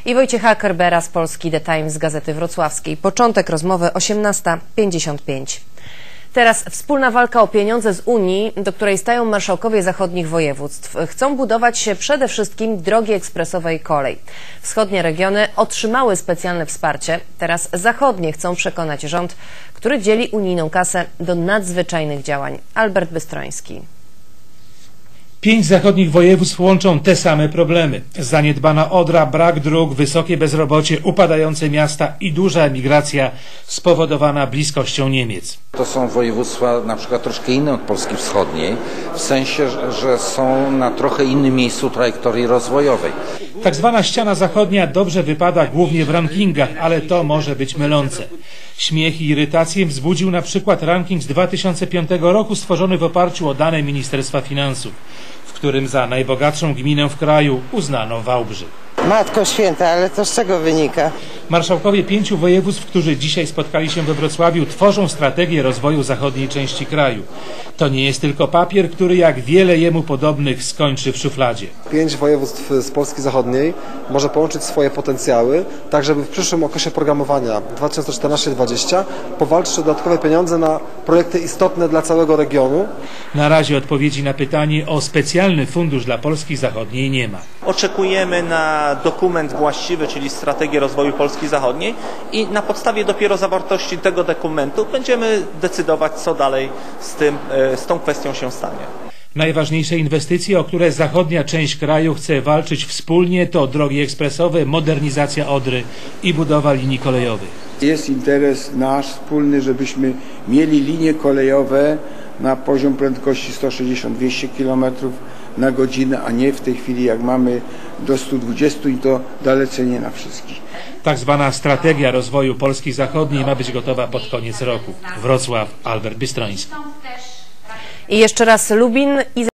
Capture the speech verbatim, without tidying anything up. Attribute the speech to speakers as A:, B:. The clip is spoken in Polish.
A: i Wojciecha Kerbera z Polski The Times z Gazety Wrocławskiej. Początek rozmowy osiemnasta pięćdziesiąt pięć. Teraz wspólna walka o pieniądze z Unii, do której stają marszałkowie zachodnich województw. Chcą budować się przede wszystkim drogi ekspresowe i kolej. Wschodnie regiony otrzymały specjalne wsparcie. Teraz zachodnie chcą przekonać rząd, który dzieli unijną kasę do nadzwyczajnych działań. Albert Bystroński.
B: Pięć zachodnich województw łączą te same problemy. Zaniedbana Odra, brak dróg, wysokie bezrobocie, upadające miasta i duża emigracja spowodowana bliskością Niemiec.
C: To są województwa na przykład troszkę inne od Polski Wschodniej, w sensie, że są na trochę innym miejscu trajektorii rozwojowej.
B: Tak zwana ściana zachodnia dobrze wypada głównie w rankingach, ale to może być mylące. Śmiech i irytację wzbudził na przykład ranking z dwa tysiące piątego roku stworzony w oparciu o dane Ministerstwa Finansów, w którym za najbogatszą gminę w kraju uznano Wałbrzych.
D: Matko Święta, ale to z czego wynika?
B: Marszałkowie pięciu województw, którzy dzisiaj spotkali się we Wrocławiu, tworzą strategię rozwoju zachodniej części kraju. To nie jest tylko papier, który jak wiele jemu podobnych skończy w szufladzie.
E: Pięć województw z Polski Zachodniej może połączyć swoje potencjały, tak żeby w przyszłym okresie programowania dwa tysiące czternastego do dwa tysiące dwudziestego powalczyć o dodatkowe pieniądze na projekty istotne dla całego regionu.
B: Na razie odpowiedzi na pytanie o specjalny fundusz dla Polski Zachodniej nie ma.
F: Oczekujemy na dokument właściwy, czyli strategię rozwoju Polski Zachodniej i na podstawie dopiero zawartości tego dokumentu będziemy decydować, co dalej z tym, z tą kwestią się stanie.
B: Najważniejsze inwestycje, o które zachodnia część kraju chce walczyć wspólnie, to drogi ekspresowe, modernizacja Odry i budowa linii kolejowych.
G: Jest interes nasz wspólny, żebyśmy mieli linie kolejowe na poziom prędkości sto sześćdziesiąt do dwustu kilometrów na godzinę, a nie w tej chwili jak mamy do stu dwudziestu i to dalece nie na wszystkich.
B: Tak zwana strategia rozwoju Polski Zachodniej ma być gotowa pod koniec roku. Wrocław, Albert Bystroński.
A: I jeszcze raz Lubin i